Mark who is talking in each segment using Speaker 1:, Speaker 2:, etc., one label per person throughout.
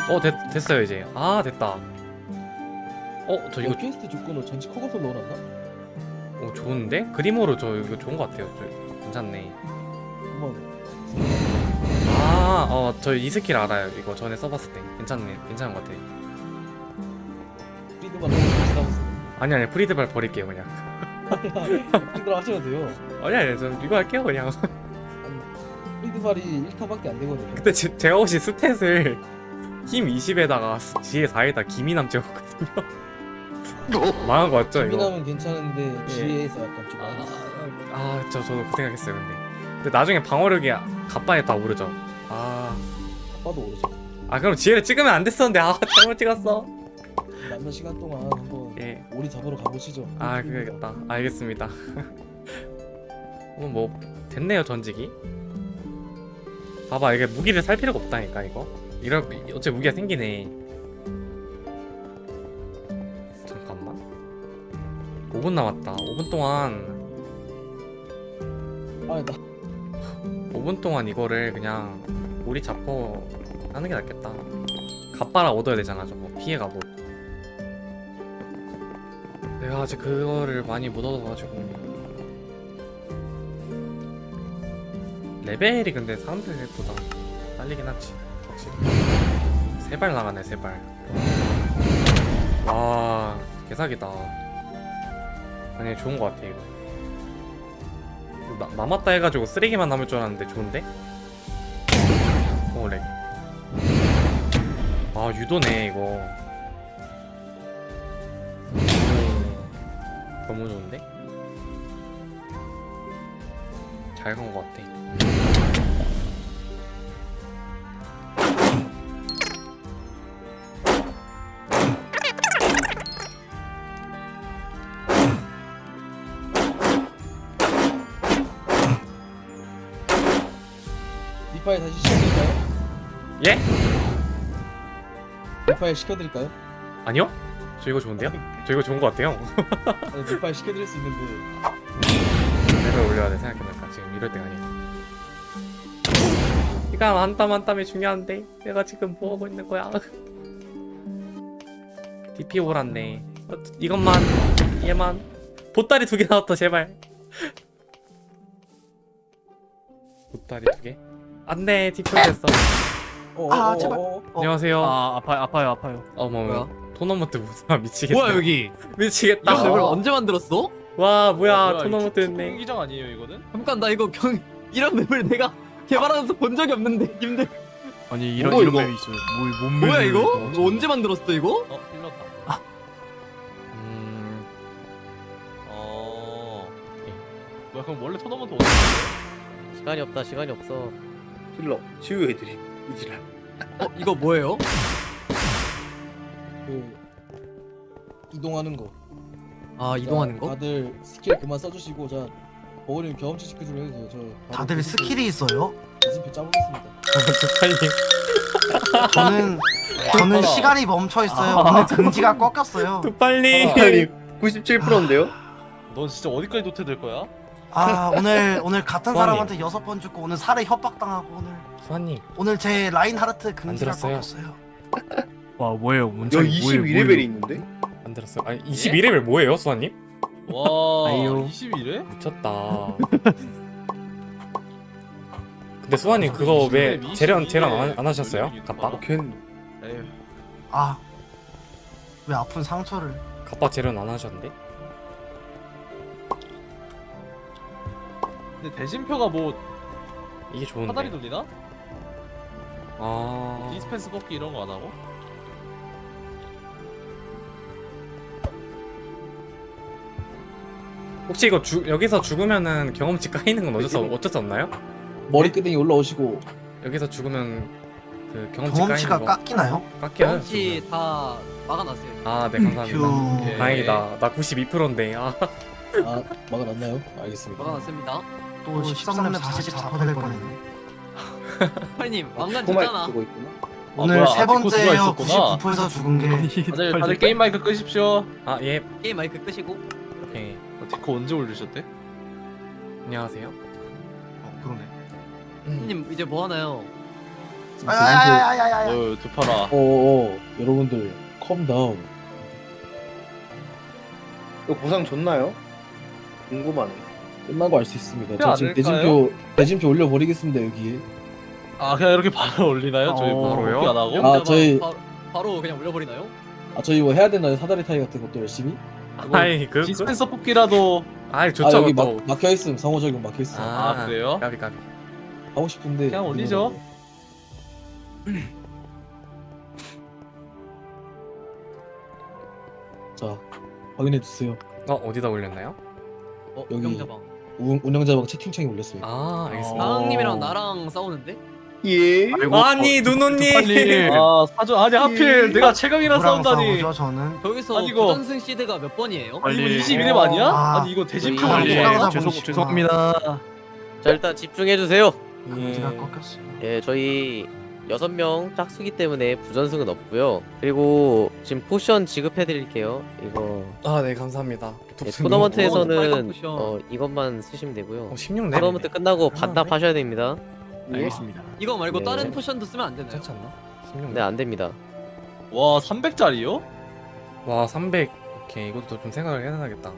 Speaker 1: 됐어요 이제. 아 됐다. 저 이거
Speaker 2: 퀘스트 조건으로 전체 커버솔 넣어놨나?
Speaker 1: 좋은데? 그림으로 저 이거 좋은 것 같아요. 괜찮네.
Speaker 2: 한번
Speaker 1: 저 이 스킬 알아요. 이거 전에 써봤을 때 괜찮은 것 같아.
Speaker 2: 프리드만 하고 지나갔어.
Speaker 1: 아니 프리드발 버릴게요 그냥.
Speaker 2: 프리드만 하셔도 돼요.
Speaker 1: 아니 전 이거 할게요 그냥.
Speaker 2: 아니, 프리드발이 1타밖에 안 되거든요.
Speaker 1: 그때 제가 혹시 스탯을 힘 20에다가 지혜 4에다 기미남 찍었거든요. 망한 거 맞죠 이거?
Speaker 2: 기민하면 괜찮은데
Speaker 1: 예.
Speaker 2: 지혜에서 약간 좀 많이
Speaker 1: 저도 그 생각했어요 근데 나중에 방어력이 갑바에 다 오르죠.
Speaker 2: 아빠도 오르죠.
Speaker 1: 그럼 지혜를 찍으면 안 됐었는데 잘못 찍었어.
Speaker 2: 남는 시간 동안 한번
Speaker 1: 예.
Speaker 2: 오리 잡으러 가보시죠.
Speaker 1: 그래야겠다. 알겠습니다. 뭐 됐네요 전직이. 봐봐 이게 무기를 살 필요가 없다니까 이거. 어째 무기가 생기네. 잠깐만. 5분 남았다. 5분 동안 5분 동안 이거를 그냥 우리 잡고 하는 게 낫겠다. 갑바라 얻어야 되잖아 저거. 피해가 못. 내가 아직 그거를 많이 못 얻어가지고. 레벨이 근데 사람들보다 빨리긴 하지 확실히. 3발 나가네 3발. 와 개사기다. 아니 좋은 거 같아 이거. 남았다 해가지고 쓰레기만 남을 줄 알았는데 좋은데? 렉. 유도네 이거. 너무 좋은데? 잘 간 거 같아.
Speaker 2: 리파일 다시 시켜드릴까요?
Speaker 1: 예?
Speaker 2: 리파일 시켜드릴까요?
Speaker 1: 아니요? 저 이거 좋은데요? 저 이거 좋은 거 같아요.
Speaker 2: 아니, 리파일 시켜드릴 수 있는데
Speaker 1: 레벨 올려야 돼 생각해보니까 지금 이럴 때가 아니야. 시간 한 땀 한 땀이 중요한데 내가 지금 뭐하고 있는 거야. DP 오랐네. 이것만 얘만 보따리 2개 나왔다 제발. 보따리 2개? 안돼 DP 됐어.
Speaker 2: 제발.
Speaker 1: 안녕하세요.
Speaker 3: 아파요.
Speaker 1: 어머
Speaker 3: 뭐야?
Speaker 1: 토너먼트 무사 미치겠다.
Speaker 3: 뭐야 여기?
Speaker 1: 미치겠다.
Speaker 3: 이거 맵을 언제 만들었어?
Speaker 1: 와 뭐야 토너먼트 했네.
Speaker 4: 기장 아니에요 이거는?
Speaker 3: 잠깐 나 이거 이런 맵을 내가 개발하면서 본 적이 없는데 님들.
Speaker 5: 아니 이런
Speaker 4: 뭐고,
Speaker 5: 이런
Speaker 4: 이거?
Speaker 5: 맵이 있어요. 뭔
Speaker 3: 뭐야
Speaker 5: 맵이에요,
Speaker 3: 이거? 이거 언제 만들었어 이거?
Speaker 4: 흘렀다. 뭐야 그럼 원래 토너먼트 어디
Speaker 6: 시간이 없다. 시간이 없어.
Speaker 4: 힐러 치유 애들이 이지랄.
Speaker 3: 이거 뭐예요?
Speaker 2: 그 이동하는 거.
Speaker 3: 이동하는
Speaker 2: 자,
Speaker 3: 거?
Speaker 2: 다들 스킬 그만 써주시고 자 버거님 경험치 체크를 해도 돼요. 저 바로
Speaker 7: 다들
Speaker 2: 디스플레이
Speaker 7: 스킬이 있어요?
Speaker 2: 디스플레이 짜보겠습니다.
Speaker 7: 저는 시간이 멈춰 있어요. 오늘 금지가 꺾였어요.
Speaker 1: 빨리.
Speaker 4: 아니 97%인데요?
Speaker 2: 넌 진짜 어디까지 도태될 거야?
Speaker 7: 오늘 같은
Speaker 1: 수아님.
Speaker 7: 사람한테 6번 죽고 오늘 살해 협박당하고
Speaker 1: 수아님
Speaker 7: 오늘 제 라인하르트 금지가
Speaker 1: 들었어요?
Speaker 7: 꺾였어요.
Speaker 5: 와 뭐예요? 뭔
Speaker 4: 야
Speaker 5: 차이?
Speaker 4: 22레벨이 있는데?
Speaker 1: 안 들었어요. 아니 22레벨 뭐예요 수아님?
Speaker 4: 와
Speaker 5: 아이요.
Speaker 4: 21회?
Speaker 1: 미쳤다. 근데 수아님 그거 왜
Speaker 4: 22
Speaker 1: 재련
Speaker 4: 레벨
Speaker 1: 안 하셨어요? 갑바?
Speaker 4: 걘
Speaker 2: 에휴.
Speaker 7: 왜 아픈 상처를?
Speaker 1: 갑바 재련 안 하셨는데?
Speaker 4: 근데 대신표가 뭐
Speaker 1: 이게 좋은데.
Speaker 4: 사다리 돌리나?
Speaker 1: 아
Speaker 4: 디스펜스 뽑기 이런 거 안 하고?
Speaker 1: 혹시 이거 여기서 죽으면은 경험치 까이는 건 어쩔 수 없나요?
Speaker 2: 머리끄댕이 올라오시고
Speaker 1: 여기서 죽으면 그 경험치
Speaker 7: 경험치가
Speaker 1: 까이는 거
Speaker 7: 깎이나요?
Speaker 1: 깎여요?
Speaker 3: 혹시 다 막아놨어요.
Speaker 1: 네 감사합니다.
Speaker 7: 휴.
Speaker 4: 예.
Speaker 1: 다행이다. 나 92%인데.
Speaker 2: 막아놨나요? 알겠습니다.
Speaker 3: 막아놨습니다.
Speaker 7: 또 13렙 44% 될 뻔했네.
Speaker 3: 파이님 왕관
Speaker 4: 코마이크
Speaker 3: 줬잖아.
Speaker 4: 쓰고 있구나.
Speaker 7: 오늘
Speaker 4: 뭐야,
Speaker 7: 세
Speaker 4: 아티코스가
Speaker 7: 번째예요.
Speaker 4: 있었구나.
Speaker 7: 99%에서 죽은 게.
Speaker 4: 다들 게임 마이크 끄십시오.
Speaker 1: 예.
Speaker 3: 게임 마이크 끄시고.
Speaker 1: 오케이.
Speaker 4: 디코 언제 올리셨대?
Speaker 1: 안녕하세요.
Speaker 5: 그러네.
Speaker 3: 님 이제 뭐 하나요?
Speaker 7: 야야야야야야.
Speaker 4: 두파라.
Speaker 2: 여러분들 컴다운.
Speaker 8: 이거 보상 줬나요? 궁금하네.
Speaker 2: 끝난 거 알 수 있습니다.
Speaker 4: 그렇지
Speaker 2: 저 지금
Speaker 4: 않을까요?
Speaker 2: 대진표 올려버리겠습니다 여기에.
Speaker 4: 아 그냥 이렇게 바로 올리나요? 저희
Speaker 1: 바로요?
Speaker 4: 복귀 안 하고?
Speaker 2: 아, 저희-
Speaker 3: 바로 그냥 올려버리나요?
Speaker 2: 아 저희 뭐 해야 되나요? 사다리 타기 같은 것도 열심히?
Speaker 1: 아이
Speaker 4: 디스펜서 뽑기라도.
Speaker 1: 아이
Speaker 2: 아
Speaker 1: 좋죠
Speaker 2: 여기
Speaker 1: 또.
Speaker 2: 막혀있음. 상호 적용 막혀있음.
Speaker 4: 아, 그래요?
Speaker 1: 까비 까비.
Speaker 2: 하고 싶은데
Speaker 4: 그냥 올리죠.
Speaker 2: 자 확인해 주세요.
Speaker 1: 어디다 올렸나요?
Speaker 2: 여기.
Speaker 3: 운영자방.
Speaker 2: 운영자방 채팅창에 올렸습니다.
Speaker 1: 아 알겠습니다.
Speaker 3: 나항님이랑 나랑 싸우는데?
Speaker 8: 예.
Speaker 1: 아니 누노님.
Speaker 5: 빨리.
Speaker 4: 아 사전 아니 하필 내가 최강이랑
Speaker 7: 누구랑
Speaker 4: 싸운다니.
Speaker 7: 싸우죠 저는?
Speaker 3: 여기서
Speaker 4: 아니, 이거-
Speaker 3: 부전승 시드가 몇 번이에요?
Speaker 5: 빨리.
Speaker 4: 이거 21회 아니야?
Speaker 7: 아.
Speaker 4: 아니 이거 대진표
Speaker 7: 빨리.
Speaker 4: 아니야?
Speaker 7: 누구랑 싸우고
Speaker 5: 죄송
Speaker 7: 싶구나.
Speaker 5: 죄송합니다.
Speaker 6: 자 일단 집중해주세요.
Speaker 7: 금지가 꺾였어요.
Speaker 6: 예 저희 6명 짝수기 때문에 부전승은 없고요. 그리고 지금 포션 지급해드릴게요. 이거
Speaker 1: 아네 감사합니다.
Speaker 6: 예,
Speaker 3: 빨간
Speaker 6: 토너먼트에서는
Speaker 3: 포션.
Speaker 6: 이것만 쓰시면 되고요.
Speaker 1: 16렙.
Speaker 6: 토너먼트 끝나고 반납하셔야 됩니다.
Speaker 5: 알겠습니다.
Speaker 3: 이거 말고
Speaker 6: 네.
Speaker 3: 다른 포션도 쓰면 안 되나요?
Speaker 1: 괜찮지 않나? 16렙.
Speaker 6: 네 안됩니다.
Speaker 4: 와 300짜리요?
Speaker 1: 와 300. 오케이 이것도 좀 생각을 해야겠다.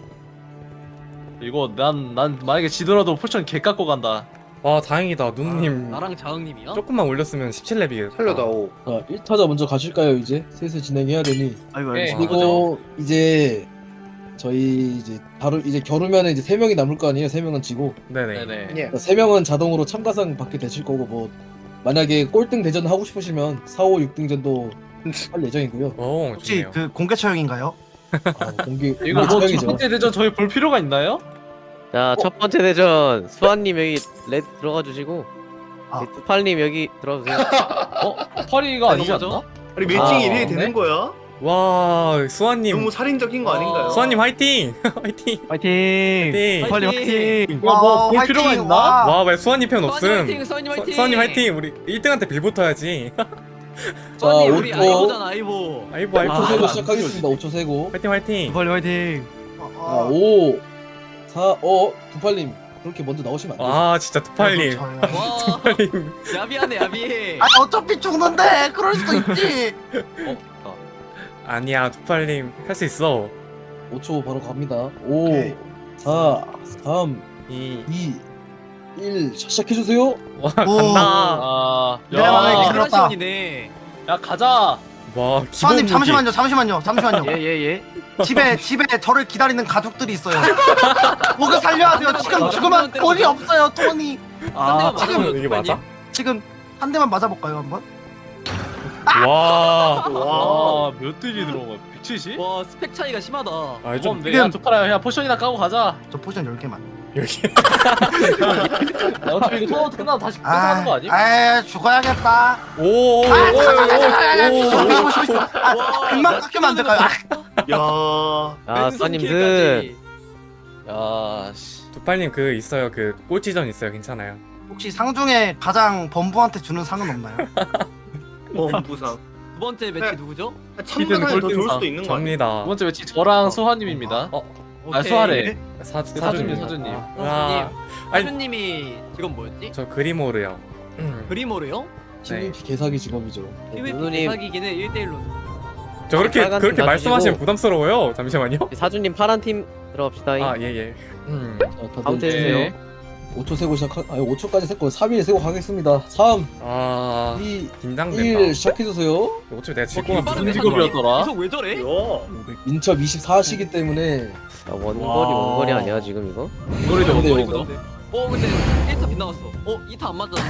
Speaker 4: 이거 난 만약에 지더라도 포션 개 깎고 간다.
Speaker 1: 와 다행이다 누누님.
Speaker 3: 나랑 자흥님이요?
Speaker 1: 조금만 올렸으면 17렙이겠다.
Speaker 8: 살려다오.
Speaker 2: 자 1타자 먼저 가실까요 이제? 슬슬 진행해야 되니.
Speaker 5: 아이고
Speaker 4: 네.
Speaker 5: 알겠습니다.
Speaker 2: 그리고 이제 저희 이제 바로 이제 겨루면은 이제 3명이 남을 거 아니에요. 3명은 지고.
Speaker 1: 네네.
Speaker 4: 네네.
Speaker 8: 예.
Speaker 2: 3명은 자동으로 참가상 받게 되실 거고 뭐 만약에 꼴등 대전 하고 싶으시면 4, 5, 6등전도 할 예정이고요.
Speaker 1: 오
Speaker 7: 혹시
Speaker 1: 좋네요.
Speaker 7: 그 공개 처형인가요?
Speaker 2: 공개
Speaker 4: 이거 뭐 첫
Speaker 2: 처형이죠.
Speaker 4: 번째 대전 저희 볼 필요가 있나요?
Speaker 6: 자 첫 번째 대전 수아님 여기 레드 들어가 주시고
Speaker 7: 아.
Speaker 6: 두팔님 여기 들어주세요.
Speaker 4: 파리가 아니지
Speaker 3: 뭐죠?
Speaker 4: 않나?
Speaker 8: 아니 매칭
Speaker 6: 아,
Speaker 8: 1위
Speaker 4: 네?
Speaker 8: 되는 거야?
Speaker 1: 와 수아님.
Speaker 8: 너무 살인적인 거 아닌가요?
Speaker 1: 수아님 화이팅. 화이팅.
Speaker 5: 파이팅.
Speaker 1: 화이팅.
Speaker 5: 빨리 파이팅.
Speaker 4: 이거 뭐 볼
Speaker 7: 화이팅!
Speaker 4: 필요가 있나?
Speaker 7: 와.
Speaker 1: 와왜 수아님 편 없음.
Speaker 3: 화이팅! 수아님 화이팅!
Speaker 1: 수아님 화이팅. 우리 1등한테 빌 붙어야지.
Speaker 3: 수아님 우리
Speaker 2: 5초
Speaker 3: 아이보잖아 아이보.
Speaker 1: 아이고 아이고.
Speaker 2: 5초 세고
Speaker 5: 아,
Speaker 2: 시작하겠습니다. 5초 세고.
Speaker 1: 화이팅 화이팅.
Speaker 5: 빨리 파이팅.
Speaker 2: 자, 5 4 두팔님 그렇게 먼저 나오시면 안 돼요.
Speaker 1: 아 진짜 두팔님.
Speaker 7: 저요.
Speaker 3: 와
Speaker 1: 두팔님.
Speaker 3: 야비하네 야비해.
Speaker 7: 아 어차피 죽는데 그럴 수도 있지.
Speaker 1: 아니야 두팔님 할 수 있어.
Speaker 2: 5초 바로 갑니다. 5
Speaker 7: 오케이.
Speaker 2: 4 3
Speaker 1: 이.
Speaker 2: 2 1 시작해 주세요.
Speaker 1: 와
Speaker 7: 오.
Speaker 1: 간다.
Speaker 4: 아,
Speaker 7: 내가 만약에
Speaker 4: 야,
Speaker 7: 들었다.
Speaker 3: 크라시온이네.
Speaker 4: 야 가자.
Speaker 1: 와
Speaker 7: 수아님
Speaker 1: 기본 무기.
Speaker 7: 잠시만요.
Speaker 5: 예예 예.
Speaker 7: 집에 저를 기다리는 가족들이 있어요. 목을 살려야 돼요. 지금 죽으면 돈이 없어요. 돈이.
Speaker 5: 아
Speaker 3: 한 대만 맞으면
Speaker 1: 이게 맞아?
Speaker 7: 지금 한 대만 맞아볼까요 한번?
Speaker 1: 와.
Speaker 8: 와.
Speaker 4: 몇 딜이 들어온 거야? 170?
Speaker 3: 와 스펙 차이가 심하다.
Speaker 1: 아, 좀
Speaker 4: 좀 내가 두파라 그냥 포션이나 까고 가자.
Speaker 7: 저 포션 10개만.
Speaker 1: 여기.
Speaker 4: 야, 어차피 이거 토너먼트 끝나고 다시 뺏어가는 거 아니?
Speaker 7: 아 죽어야겠다.
Speaker 1: 오.
Speaker 7: 금방 깎이면 안 될까요?
Speaker 8: 야.
Speaker 6: 아 수아님들
Speaker 4: 야 씨.
Speaker 1: 두팔님 그 있어요. 그 꼴찌전 있어요. 괜찮아요.
Speaker 7: 혹시 상 중에 가장 범부한테 주는 상은 없나요?
Speaker 8: 부상.
Speaker 3: 두 번째 매치 누구죠?
Speaker 8: 참가상이 더 좋을 수도 있는 거 아니야?
Speaker 1: 접니다.
Speaker 4: 두 번째 매치 저랑 수하님입니다.
Speaker 1: 어,
Speaker 4: 아 수하래.
Speaker 1: 사주님.
Speaker 4: 사주님.
Speaker 1: 아, 아니
Speaker 3: 하준님이 직업 뭐였지?
Speaker 1: 저 그리모르요.
Speaker 3: 그리모르요?
Speaker 2: 신림피 개사기 직업이죠.
Speaker 3: PVP
Speaker 6: 누누님.
Speaker 3: 대사기기는 1대1로.
Speaker 1: 저 그렇게
Speaker 6: 빨간 팀
Speaker 1: 말씀하시면
Speaker 6: 놔주시고.
Speaker 1: 부담스러워요. 잠시만요.
Speaker 6: 사주님 파란 팀 들어갑시다.
Speaker 1: 아 예예.
Speaker 2: 자,
Speaker 6: 카운트
Speaker 2: 다들
Speaker 6: 해주세요.
Speaker 2: 5초 세고 아니 5초까지 세고 3일 세고 가겠습니다. 3
Speaker 1: 아
Speaker 2: 2
Speaker 1: 긴장된다.
Speaker 2: 1 시작해 주세요.
Speaker 1: 어차피 내가 질
Speaker 3: 어,
Speaker 1: 거면
Speaker 3: 빠른데,
Speaker 4: 무슨 직업이었더라?
Speaker 3: 계속 왜 저래?
Speaker 8: 야.
Speaker 2: 민첩 24시기 때문에
Speaker 6: 자, 원거리 아니야 지금 이거?
Speaker 4: 이거리도
Speaker 2: 근데
Speaker 4: 원거리도.
Speaker 3: 근데 1타 빗나갔어. 2타 안 맞았어.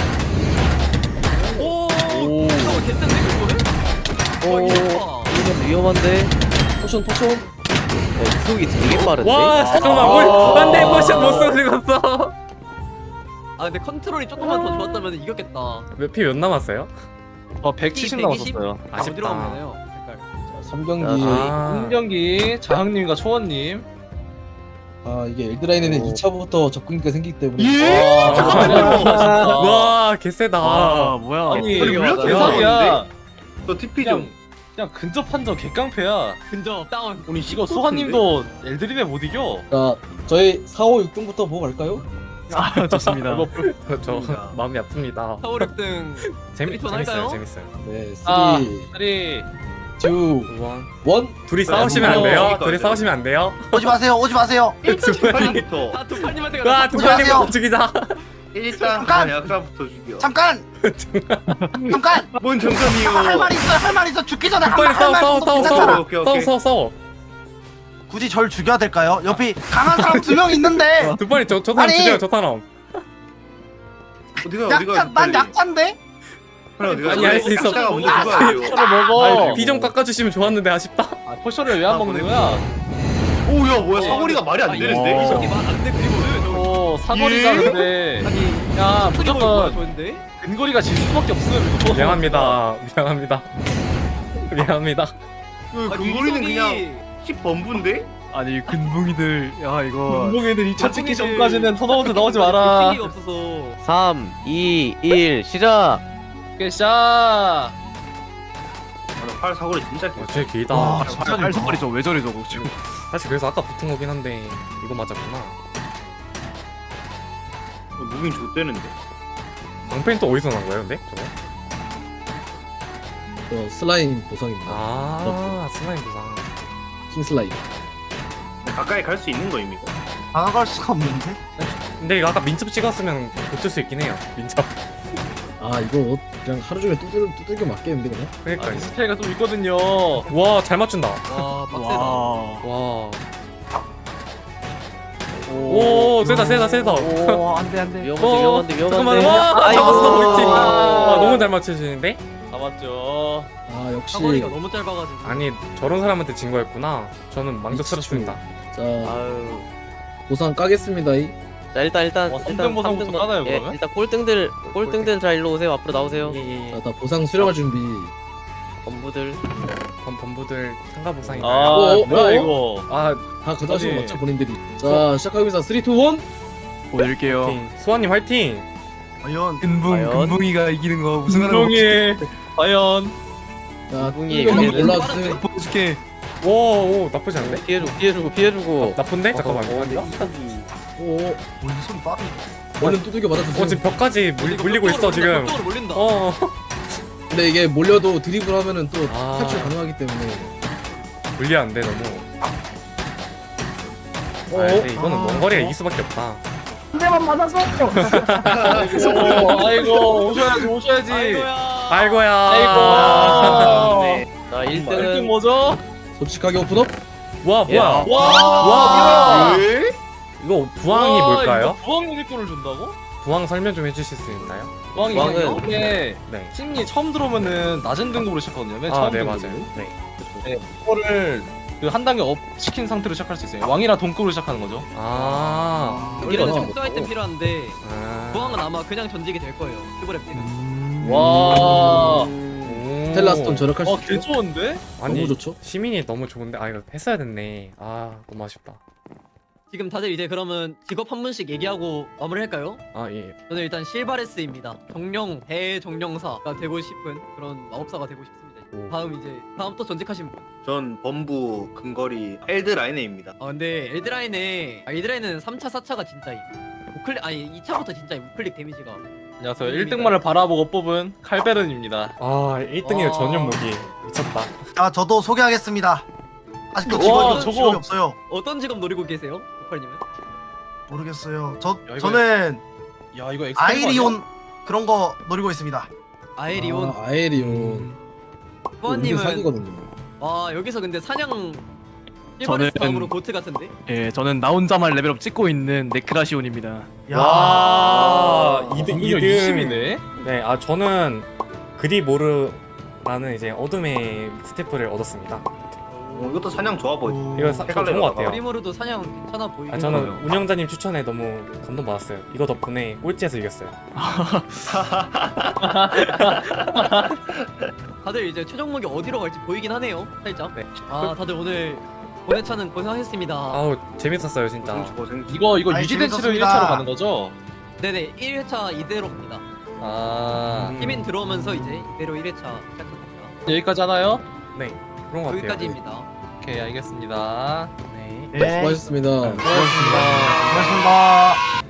Speaker 3: 오.
Speaker 2: 오.
Speaker 3: 이거 개센데 그거를?
Speaker 6: 오 이건 위험한데.
Speaker 2: 포션
Speaker 6: 이속이 되게 빠른데.
Speaker 1: 와 잠깐만 안돼 포션 못 쓰고 죽었어.
Speaker 3: 아 근데 컨트롤이 조금만 더 좋았다면 이겼겠다.
Speaker 1: 몇피 남았어요?
Speaker 4: 170
Speaker 3: 120?
Speaker 4: 남았었어요.
Speaker 3: 어디로 가면
Speaker 1: 아쉽다.
Speaker 3: 되나요?
Speaker 2: 자, 3경기
Speaker 1: 아
Speaker 4: 1경기 자항님과 초원님.
Speaker 2: 이게 엘드라인에는
Speaker 6: 오.
Speaker 2: 2차부터 접근기가 생기기 때문에
Speaker 8: 예. 잠깐만요.
Speaker 1: 와 개세다.
Speaker 5: 아 뭐야?
Speaker 4: 아니
Speaker 8: 왜 이렇게
Speaker 4: 대박이야.
Speaker 8: 너 TP
Speaker 4: 그냥
Speaker 8: 좀.
Speaker 4: 그냥 근접 판정 개깡패야.
Speaker 3: 근접 다운.
Speaker 4: 이거 수하님도 엘드림에 못 이겨.
Speaker 2: 자 저희 4, 5, 6등부터 보고 갈까요?
Speaker 5: 아, 좋습니다.
Speaker 1: 저 마음이 아픕니다.
Speaker 3: 4, 5, 6등
Speaker 1: 재밌어요,
Speaker 3: 할까요?
Speaker 1: 재밌어요.
Speaker 2: 네, 3,
Speaker 4: 아, 3,
Speaker 2: 2, 1.
Speaker 1: 우와. 둘이
Speaker 8: 그래,
Speaker 1: 싸우시면 안 돼요.
Speaker 8: 그러니까
Speaker 1: 둘이
Speaker 8: 이제.
Speaker 1: 싸우시면 안 돼요.
Speaker 7: 오지 마세요. 오지 마세요.
Speaker 8: 빨리부터
Speaker 3: 다 두팔님한테
Speaker 1: 와,
Speaker 3: 가자.
Speaker 1: 두팔님 죽이자.
Speaker 8: 1장
Speaker 7: 잠깐!
Speaker 8: 약사부터 죽여.
Speaker 7: 잠깐. 잠깐.
Speaker 8: 뭔 정감이요?
Speaker 7: 할 말 있어. 할 말 있어. 죽기 전에
Speaker 1: 두팔님
Speaker 7: 할말
Speaker 1: 싸워.
Speaker 7: 괜찮잖아.
Speaker 8: 오케이.
Speaker 1: 싸워.
Speaker 7: 굳이 절 죽여야 될까요? 옆에 강한 사람 2명 있는데.
Speaker 1: 두팔님 저 사람
Speaker 7: 아니.
Speaker 1: 죽여요, 저 사람.
Speaker 8: 어디가
Speaker 7: 약자 난 약자인데.
Speaker 1: 아니, 할 수 있어.
Speaker 8: 약사가 먼저 죽어야 돼요.
Speaker 4: 포션을 먹어.
Speaker 1: 비 좀 깎아주시면 좋았는데 아쉽다.
Speaker 4: 아, 포션을 왜 안 먹는 거야?
Speaker 8: 오야 뭐야 사거리가 말이 안 되는데?
Speaker 3: 이석이 말안돼 그리고는
Speaker 4: 오, 사거리가 근데.
Speaker 3: 아니
Speaker 4: 야,
Speaker 3: 무조건
Speaker 4: 무조건
Speaker 3: 좋은데?
Speaker 4: 근거리가 질 수밖에 없음. 이거.
Speaker 1: 미안합니다.
Speaker 8: 근거리는 그냥 10번부인데?
Speaker 5: 아니 근붕이들 야 이거
Speaker 4: 운동애들 2차 찍기 전까지는 턴아웃 나오지 마라.
Speaker 3: 가 없어서
Speaker 6: 3, 2, 1 시작.
Speaker 4: 깨샤.
Speaker 8: 팔 사거리 진짜 길.
Speaker 1: 쟤 길다.
Speaker 7: 와,
Speaker 5: 발석거리 저왜 저래 저거 지금.
Speaker 1: 사실 그래서 아까 붙은 거긴 한데 이거 맞았구나.
Speaker 8: 무빙 좋대는데.
Speaker 1: 방패는 또 어디서 난 거예요, 근데? 저거?
Speaker 2: 슬라임 보상입니다.
Speaker 1: 슬라임 부상.
Speaker 2: 킹 슬라임.
Speaker 8: 가까이 갈 수 있는 거 이미.
Speaker 7: 다가갈 수가 없는데.
Speaker 1: 근데 이거 아까 민첩 찍었으면 붙을 수 있긴 해요. 민첩.
Speaker 2: 아, 이거 그냥 하루 종일 두들겨 맞겠는데 그냥?
Speaker 1: 그러니까.
Speaker 4: 아, 스페가 좀 있거든요.
Speaker 1: 와, 잘 맞춘다.
Speaker 3: 와 빡세다.
Speaker 5: 와.
Speaker 1: 와. 오, 세다.
Speaker 5: 오 안돼.
Speaker 6: 위험한데
Speaker 1: 잠깐만.
Speaker 6: 위험한데.
Speaker 1: 와,
Speaker 6: 아이고.
Speaker 1: 잡았어, 우리 팀. 와, 너무 잘 맞추시는데?
Speaker 4: 잡았죠.
Speaker 2: 아, 역시.
Speaker 3: 사거리가 너무 짧아가지고.
Speaker 1: 아니, 저런 사람한테 진 거였구나. 저는 망족스럽습니다.
Speaker 2: 자,
Speaker 6: 아유.
Speaker 2: 보상 까겠습니다.
Speaker 6: 자 일단
Speaker 4: 와, 3등 보상부터 까나요,
Speaker 6: 예,
Speaker 4: 그러면?
Speaker 6: 일단 꼴등들 자 일로 오세요. 앞으로 나오세요.
Speaker 1: 예.
Speaker 2: 자, 다 보상 수령할 준비.
Speaker 6: 범부들.
Speaker 1: 범부들 참가 보상인가요?
Speaker 4: 아,
Speaker 2: 오,
Speaker 4: 뭐야
Speaker 2: 오,
Speaker 4: 이거?
Speaker 1: 아,
Speaker 2: 다 가져가시고
Speaker 4: 아니.
Speaker 2: 맞죠, 본인들이. 자, 시작하겠습니다. 3, 2, 1.
Speaker 5: 보여드릴게요.
Speaker 1: 화이팅. 수아님 화이팅!
Speaker 7: 과연
Speaker 6: 과연?
Speaker 5: 근붕이가 이기는 거 무슨
Speaker 4: 운동이 과연
Speaker 2: 자,
Speaker 6: 분이
Speaker 2: 뚜껑
Speaker 6: 얘기해야
Speaker 2: 올라와주세요.
Speaker 5: 보여줄게.
Speaker 1: 오, 나쁘지 않은데?
Speaker 6: 피해주고.
Speaker 1: 나쁜데? 잠깐만.
Speaker 2: 오,
Speaker 7: 우리 손 빠르.
Speaker 2: 얼른 두들겨 맞아주세요.
Speaker 1: 지금 벽까지 물리고 있어, 지금.
Speaker 3: 벽으로 몰린다.
Speaker 2: 근데 이게 몰려도 드리블 하면은 또
Speaker 1: 아.
Speaker 2: 탈출 가능하기 때문에.
Speaker 1: 물리안 돼, 너무.
Speaker 2: 어,
Speaker 1: 근데 이거는 먼 거리가 이길 수밖에 없다.
Speaker 4: 아이고 오셔야지.
Speaker 1: 아이고야.
Speaker 4: 아이고.
Speaker 6: 네. 자
Speaker 4: 1등
Speaker 6: 1등은
Speaker 4: 뭐죠?
Speaker 2: 솔직하게 오픈업.
Speaker 1: 와, 뭐야.
Speaker 6: 야.
Speaker 1: 와.
Speaker 8: 왜?
Speaker 1: 이거 부항이
Speaker 4: 와,
Speaker 1: 뭘까요?
Speaker 4: 이거 부항 유니콘을 준다고?
Speaker 1: 부항 설명 좀 해주실 수 있나요?
Speaker 4: 부항이
Speaker 6: 부항은-
Speaker 4: 이게
Speaker 1: 네.
Speaker 4: 팀이 처음 들어오면은 낮은 등급으로 시작하거든요. 맨 처음
Speaker 1: 네,
Speaker 4: 등급으로.
Speaker 1: 맞아요. 네.
Speaker 4: 네, 그거를 그 한 단계 업 시킨 상태로 시작할 수 있어요. 왕이랑 동급으로 시작하는 거죠.
Speaker 3: 원래는
Speaker 2: 어.
Speaker 3: 특수 아이템 필요한데
Speaker 1: 아.
Speaker 3: 부항은 아마 그냥 전직이 될 거예요. 큐브랩 때는.
Speaker 4: 와.
Speaker 2: 텔라스톤 절약할 수
Speaker 4: 개
Speaker 2: 있죠.
Speaker 4: 좋은데?
Speaker 1: 아니,
Speaker 2: 너무 좋죠.
Speaker 1: 시민이 너무 좋은데 아 이거 했어야 됐네. 아 너무 아쉽다.
Speaker 3: 지금 다들 이제 그러면 직업 한 분씩 얘기하고 마무리할까요?
Speaker 1: 아 예.
Speaker 3: 저는 일단 실바레스입니다. 정령 대정령사가 되고 싶은 그런 마법사가 되고 싶습니다.
Speaker 1: 오.
Speaker 3: 다음 또 전직하신 분.
Speaker 8: 전 범부 근거리 엘드 라이네입니다.
Speaker 3: 아 근데 엘드라인은 3차 4차가 진짜임. 우클릭 아니 2차부터 진짜 우클릭 데미지가.
Speaker 4: 안녕하세요. 1등만을 바라보고 뽑은 칼베른입니다.
Speaker 1: 아 1등이면
Speaker 3: 와.
Speaker 1: 전용 무기 미쳤다.
Speaker 7: 자, 저도 소개하겠습니다. 아직도
Speaker 4: 와,
Speaker 7: 직원이
Speaker 4: 저거-
Speaker 7: 직업이 없어요.
Speaker 3: 어떤 직업 노리고 계세요? 우팔님은?
Speaker 7: 모르겠어요.
Speaker 4: 야, 이거-
Speaker 7: 저는
Speaker 4: 야 이거 엑스페리먼트
Speaker 7: 아이리온 그런 거 노리고 있습니다.
Speaker 3: 아에리온.
Speaker 2: 아, 아에리온.
Speaker 3: 후아님은
Speaker 2: 사기거든요.
Speaker 3: 와 여기서 근데 사냥
Speaker 5: 저는-
Speaker 3: 실바레스 다음으로 고트 같은데?
Speaker 5: 예, 저는 나 혼자만 레벨업 찍고 있는 네크라시온입니다.
Speaker 7: 야.
Speaker 1: 와,
Speaker 4: 아,
Speaker 1: 2등.
Speaker 4: 20이네.
Speaker 1: 네, 아 저는 그리모르라는 이제 어둠의 스태프를 얻었습니다.
Speaker 8: 이것도 사냥 좋아 보이.
Speaker 1: 이거 좋은 것 같아요.
Speaker 3: 프리모르도 사냥 괜찮아 보이긴
Speaker 1: 아 저는
Speaker 3: 해요.
Speaker 1: 운영자님 추천에 너무 감동받았어요. 이거 덕분에 꼴찌에서 이겼어요.
Speaker 3: 다들 이제 최종 목이 어디로 갈지 보이긴 하네요. 살짝.
Speaker 1: 네.
Speaker 3: 아 다들 오늘 고해차는 고생하셨습니다.
Speaker 1: 아우 재밌었어요 진짜.
Speaker 8: 고생.
Speaker 4: 이거
Speaker 7: 아이,
Speaker 4: 유지된 치료
Speaker 7: 재밌었습니다.
Speaker 4: 1차로 가는 거죠?
Speaker 3: 네네 1회차 이대로 갑니다.
Speaker 4: 아
Speaker 3: 시민 들어오면서 이제 이대로 1회차 시작합니다.
Speaker 4: 여기까지 하나요?
Speaker 1: 네, 그런 것 같아요.
Speaker 3: 여기까지입니다.
Speaker 4: 오케이 알겠습니다.
Speaker 1: 네.
Speaker 7: 네.
Speaker 2: 수고하셨습니다.
Speaker 7: 고맙습니다.